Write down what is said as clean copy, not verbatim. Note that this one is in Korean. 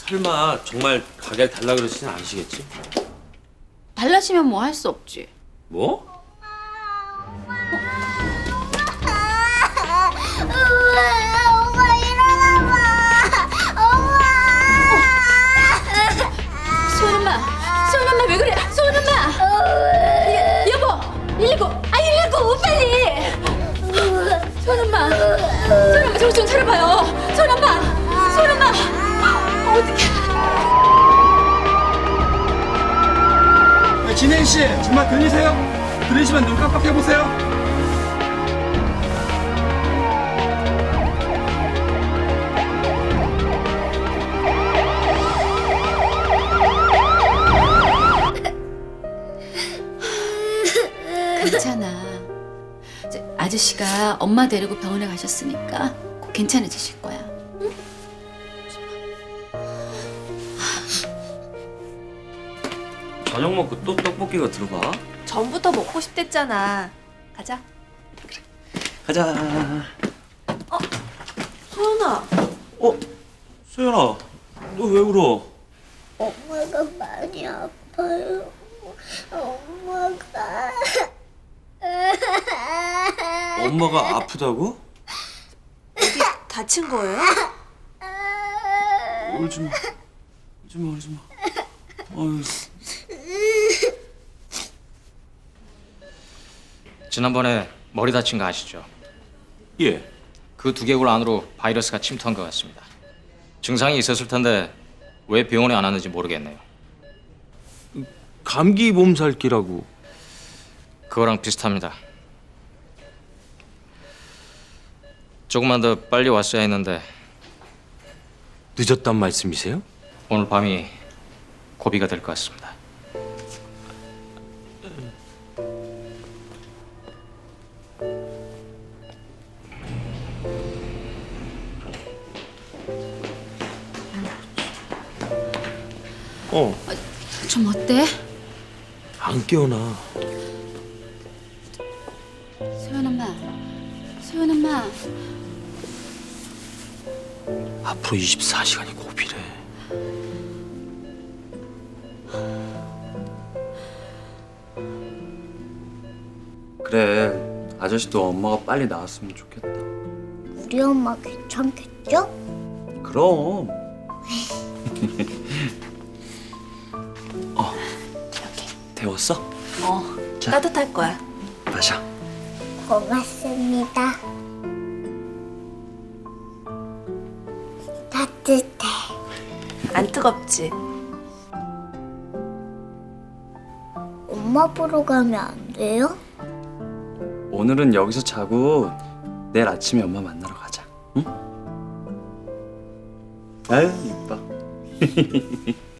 설마 정말 가게를 달라 그러시진 않으시겠지? 달라지면 뭐 할 수 없지. 뭐? 엄마 일어나봐. 엄마. 소연 엄마 왜 그래? 소연 엄마. 여보, 119, 119 빨리. 소연 엄마 정신 좀 차려봐요. 소연 엄마. 어떡해. 진혜인 씨, 정말 들리세요? 들리시면 눈 깜빡해 보세요. 괜찮아. 이제 아저씨가 엄마 데리고 병원에 가셨으니까 곧 괜찮아지실 거야. 저녁 먹고 또 떡볶이가 들어가? 전부터 먹고 싶댔잖아. 가자. 가자. 소연아. 소연아, 너 왜 울어? 엄마가 많이 아파요. 엄마가. 엄마가 아프다고? 어디 다친 거예요? 울지 마. 울지 마. 어휴. 지난번에 머리 다친 거 아시죠? 예. 그 두개골 안으로 바이러스가 침투한 것 같습니다. 증상이 있었을 텐데 왜 병원에 안 왔는지 모르겠네요. 감기 몸살기라고. 그거랑 비슷합니다. 조금만 더 빨리 왔어야 했는데 늦었단 말씀이세요? 오늘 밤이 고비가 될 것 같습니다. 좀 어때? 안 깨어나. 소연 엄마. 앞으로 24시간이 고비래. 그래, 아저씨도 엄마가 빨리 나왔으면 좋겠다. 우리 엄마 괜찮겠죠? 그럼. 이렇게. 데웠어? 따뜻할 거야. 마셔. 고맙습니다. 따뜻해. 안 뜨겁지? 엄마 보러 가면 안 돼요? 오늘은 여기서 자고 내일 아침에 엄마 만나러 가자. 응? 아유, 이뻐.